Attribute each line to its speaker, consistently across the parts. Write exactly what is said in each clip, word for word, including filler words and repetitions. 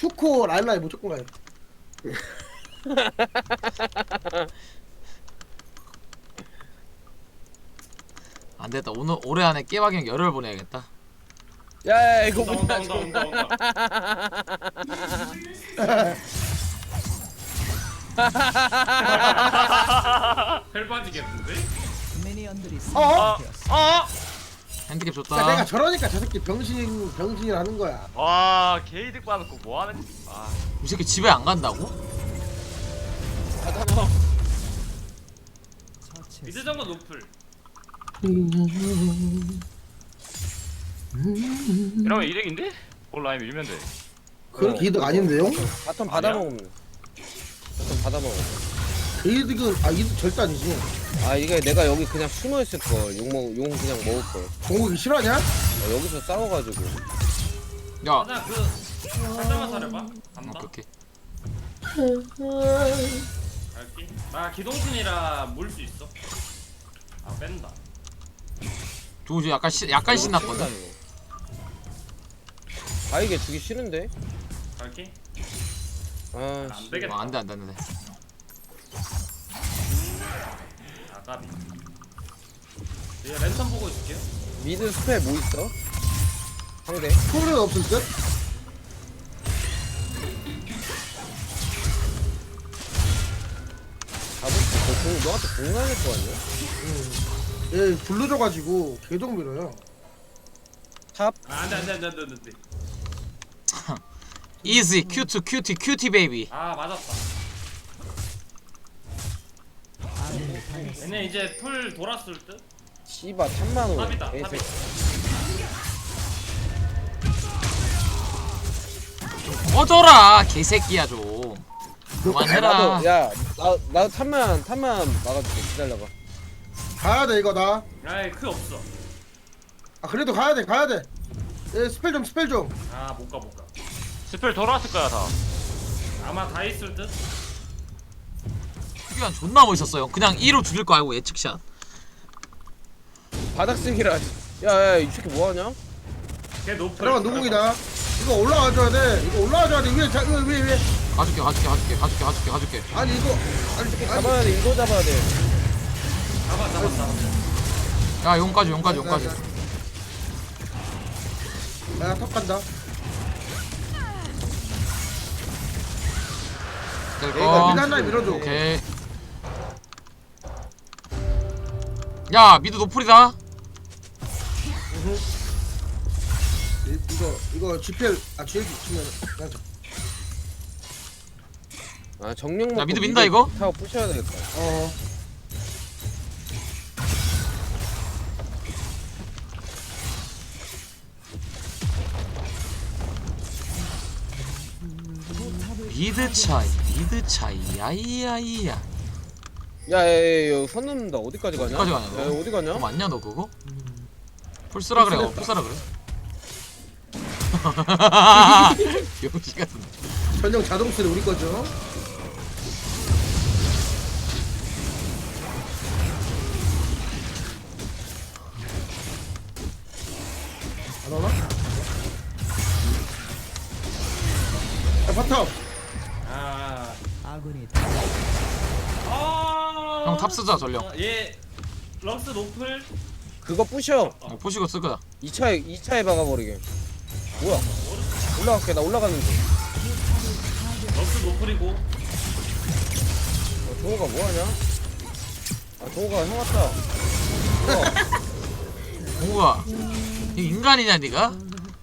Speaker 1: 투코 라일라이 무조건 가요.
Speaker 2: 안 됐다. 오늘 올해 안에 깨박이형 열흘 보내야겠다.
Speaker 3: 야, 야 이거
Speaker 4: 온다
Speaker 3: 뭐냐
Speaker 4: 온다 온다 온다 온다 헬 빠지겠는데?
Speaker 1: 어?
Speaker 5: 어? 어?
Speaker 2: 핸디캡
Speaker 1: 그러니까
Speaker 2: 줬다.
Speaker 1: 내가 저러니까 저 새끼 병신 병신이라는 거야.
Speaker 5: 와 게이득 받았고 뭐하는 아
Speaker 2: 이 새끼 집에 안 간다고?
Speaker 3: 하잖아.
Speaker 4: 미드 정글 노플
Speaker 5: 이러면 이득인데? 온라인 밀면 돼
Speaker 1: 그렇게 이득 아닌데요?
Speaker 3: 바텀 받아
Speaker 5: 아니야?
Speaker 3: 먹으면. 바텀 받아 먹어.
Speaker 1: 그 이득은 아 이득 절대 아니지.
Speaker 3: 아 이게 내가 여기 그냥 숨어 있을 걸. 용 먹, 용 그냥 먹을 걸.
Speaker 1: 공국이 싫어하냐?
Speaker 3: 어, 여기서 싸워가지고.
Speaker 2: 야.
Speaker 4: 하나 그 살짝만 사려봐 간다
Speaker 2: 오케이
Speaker 4: 갈게 나 기동신이라 물 수 있어 아 뺀다
Speaker 2: 조우지 약간 시, 약간 신났거든.
Speaker 3: 아 이게 주기 싫은데?
Speaker 4: 갈게
Speaker 3: 아
Speaker 4: 안
Speaker 3: 씨.
Speaker 4: 되겠다
Speaker 2: 어, 안돼 안돼 안돼.
Speaker 4: 아까비 얘 랜턴 보고 있을게요
Speaker 3: 미드 스펠 뭐 있어? 상대.
Speaker 1: 소리는 없을 듯?
Speaker 3: 잡을 수 있어. 공, 너한테 공 날릴 거 아니야?
Speaker 1: 얘 불러줘가지고 계속 밀어요.
Speaker 3: 탑?
Speaker 4: 아 안돼 안돼 안돼 안돼 안돼
Speaker 2: 이지 큐트 큐티 큐티 베이비.
Speaker 4: 아 맞았다 얘네 이제 풀 돌았을 듯?
Speaker 3: 씨바 삼만 원.
Speaker 4: 탑이다
Speaker 3: 에이,
Speaker 4: 탑이
Speaker 2: 꺼져라 개새끼야 좀. 그만해라.
Speaker 3: 나도 야, 나 나도 탑만 탑만 막아줄게. 기다려봐.
Speaker 1: 가야 돼 이거 나.
Speaker 4: 아이 크 없어
Speaker 1: 아 그래도 가야 돼 가야 돼. 얘 스펠 좀 스펠 좀.
Speaker 4: 아 못 가 못가
Speaker 5: 스펠 돌아왔을 거야 다
Speaker 4: 아마 다 있을 듯?
Speaker 2: 수비한 존나 멋있었어요. 그냥 이로 죽일 거 알고 예측샷.
Speaker 3: 바닥 쓰기라. 야야 이 새끼 뭐 하냐?
Speaker 4: 걔 노플
Speaker 1: 잠깐만 노공이다. 이거 올라와줘야 돼. 이거 올라와줘야 돼. 위에 자 위에 위에 위에.
Speaker 2: 가줄게 가줄게 가줄게 가줄게 가줄게 가줄게.
Speaker 1: 아니 이거 아니 아니.
Speaker 3: 잡아야 돼. 이거 잡아야 돼.
Speaker 4: 잡아 잡아 잡아
Speaker 2: 야 용까지 용까지 용까지.
Speaker 1: 야탑 간다.
Speaker 2: 될
Speaker 1: 얘가
Speaker 2: 거.
Speaker 1: 미드 하나 밀어줘.
Speaker 2: 오케이. 야 미드 노플이다.
Speaker 1: 이- 이거 이거 지피엘 아 지엘 치면 그냥
Speaker 3: 아 정령 먹고
Speaker 2: 야, 미드 민다, 이거?
Speaker 3: 타고 부셔야 되겠다.
Speaker 1: 어.
Speaker 2: 미드 차이 미드 차이 야이야이야.
Speaker 3: 야야야 선 넘는다. 어디까지 가냐?
Speaker 2: 어디까지 가냐, 너?
Speaker 3: 야, 어디 가냐?
Speaker 2: 너 맞냐 너 그거? 풀쓰라 그래. 어, 풀쓰라 그래. 병신 같은데.
Speaker 1: 전용 자동스레 우리 거죠. 안 오나? 야 바텀.
Speaker 4: 아
Speaker 6: 아군이
Speaker 4: 아
Speaker 2: 형, 탑 쓰자, 전령.
Speaker 4: 얘 럭스 노플
Speaker 3: 그거 부셔.
Speaker 2: 어, 포시고 쓸 거다.
Speaker 3: 이 차에 이 차에 박아버리게. 뭐야? 올라갈게. 나 올라가는 중.
Speaker 4: 럭스 노플이고
Speaker 3: 어, 종호가 뭐 하냐? 아 종호가 형 왔다. 어.
Speaker 2: 뭐가? 이 인간이냐 니가?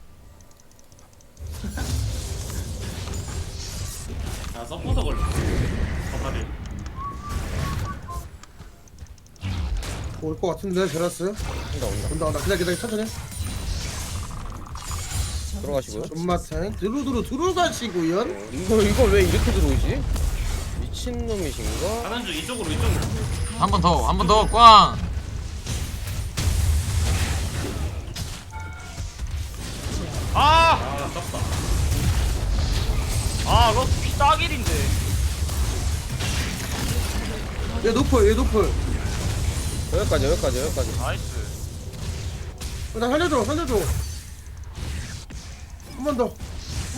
Speaker 4: 아 서포터 걸렸어 서파리
Speaker 1: 올 것 같은데 제라스.
Speaker 3: 온다 온다.
Speaker 1: 온다 온다. 기다려 기다려 천천히.
Speaker 3: 들어가시고요.
Speaker 1: 존맛탱 두루두루 들어가시고요.
Speaker 3: 어, 이거 이거 왜 이렇게 들어오지? 미친 놈이신가?
Speaker 4: 가는 중 이쪽으로 이쪽으로
Speaker 2: 한 번 더, 한 번 더, 꽝.
Speaker 5: 아!
Speaker 4: 아 아깝다
Speaker 5: 아 이거 딱일인데
Speaker 1: 얘 노플 얘 노플.
Speaker 3: 여기까지 여기까지 여기까지.
Speaker 5: 나이스
Speaker 1: 어, 나 살려줘 살려줘. 한 번 더. 한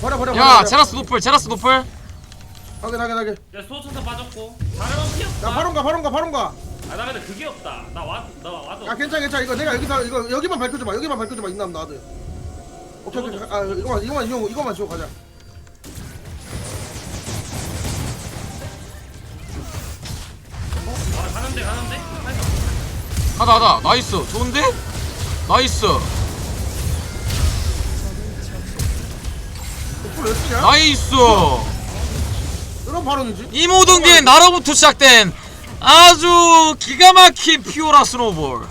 Speaker 1: 버려 버려
Speaker 2: 야
Speaker 1: 버려.
Speaker 2: 제라스 노플 제라스 노플.
Speaker 1: 확인 확인 확인.
Speaker 4: 야 소천사 빠졌고 자르반 피 없다.
Speaker 1: 야 바론가 바론가 바론가.
Speaker 4: 아나 근데 그게 없다. 나 와 나 와도.
Speaker 1: 야 괜찮아 괜찮아 이거 내가 여기서 이거 여기만 밝혀줘봐 여기만 밝혀줘봐 있나면 나도. 오케이 오케이 아 이거만 이거만 이거 이거만 지워 가자.
Speaker 4: 아 가는데 가는데. 아이고.
Speaker 2: 가다 가다 나이스 좋은데? 나이스
Speaker 1: 풀 왜 쓰냐?
Speaker 2: 나이스.
Speaker 1: 이런 발언이지?
Speaker 2: 이 모든 게 나로부터 시작된 아주 기가 막힌 피오라 스노볼.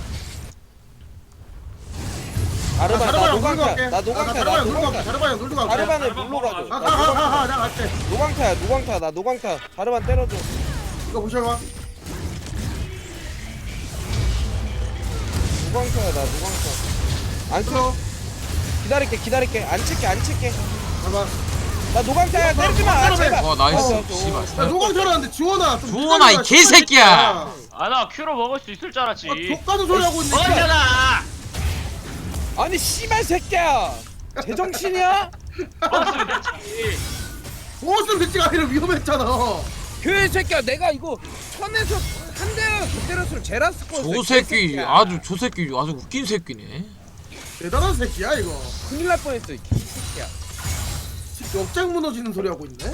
Speaker 3: 자르반 나
Speaker 1: 자르바야
Speaker 3: 노광타 나 노광타 나
Speaker 1: 자르바야 놀고 갈게
Speaker 3: 노광타
Speaker 1: 자르바야 놀고 갈게.
Speaker 3: 자르반을 물로 가줘 나
Speaker 1: 가가가가 내가 갈게.
Speaker 3: 노광타야 노광타 나 노광타 자르반 때려줘
Speaker 1: 이거 보셔봐.
Speaker 3: 노광타야 나 노광타 안 쳐. 기다릴게 기다릴게 안 칠게 안 칠게
Speaker 1: 봐봐.
Speaker 3: 나 노광타야 때리지마 아, 제발
Speaker 2: 와 나이스
Speaker 3: 어,
Speaker 2: 씨발.
Speaker 1: 야 노광 털었는데 지원아. 좀
Speaker 2: 지원아, 이
Speaker 1: 기다려라,
Speaker 2: 개새끼야.
Speaker 5: 아 나 큐로 먹을 수 있을 줄 알았지.
Speaker 1: 아 족가는 소리 하고 있네.
Speaker 5: 먹었잖아.
Speaker 3: 아니 씨발 새끼야 제정신이야?
Speaker 5: 먹었으면 됐지.
Speaker 1: 무엇을 대치가 아니라 위험했잖아.
Speaker 3: 그 새끼야 내가 이거 천에서 한 대를 더 때렸으면 제라스 거
Speaker 2: 저 새끼 아주 저 새끼 아주 웃긴 새끼네.
Speaker 1: 대단한 새끼야 이거.
Speaker 3: 큰일 날 뻔했어 이 새끼야
Speaker 1: 역장 무너지는 소리 하고 있네.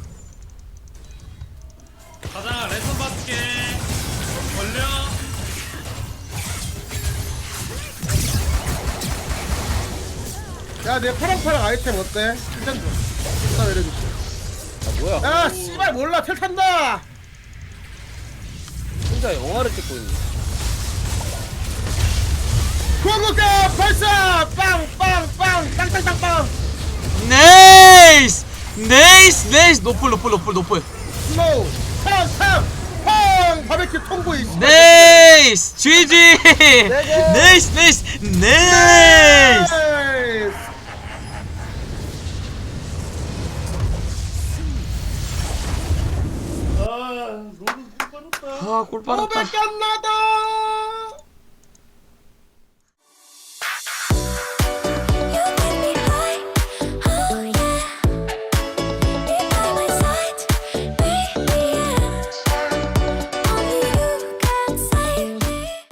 Speaker 4: 가자 레슨 받을게. 걸려.
Speaker 1: 야 내 파랑파랑 아이템 어때? 일단 줘. 나 내려줄게.
Speaker 3: 아 뭐야
Speaker 1: 야 씨발 몰라 텔 탄다.
Speaker 3: 혼자 영화를 찍고 있네
Speaker 1: 구원국가 발사 빵빵빵 땅땅땅빵
Speaker 2: 네이스 네이스 네이스 노플 노플 노플 노플.
Speaker 1: 슬로우 팡팡 팡 바베큐 통보이.
Speaker 2: 네이스 지지. 네이스 네이스 네이스.
Speaker 1: 네이스. 아 로드 꿀 빠졌다.
Speaker 2: 아골 빨았다.
Speaker 1: 오백 간 나다.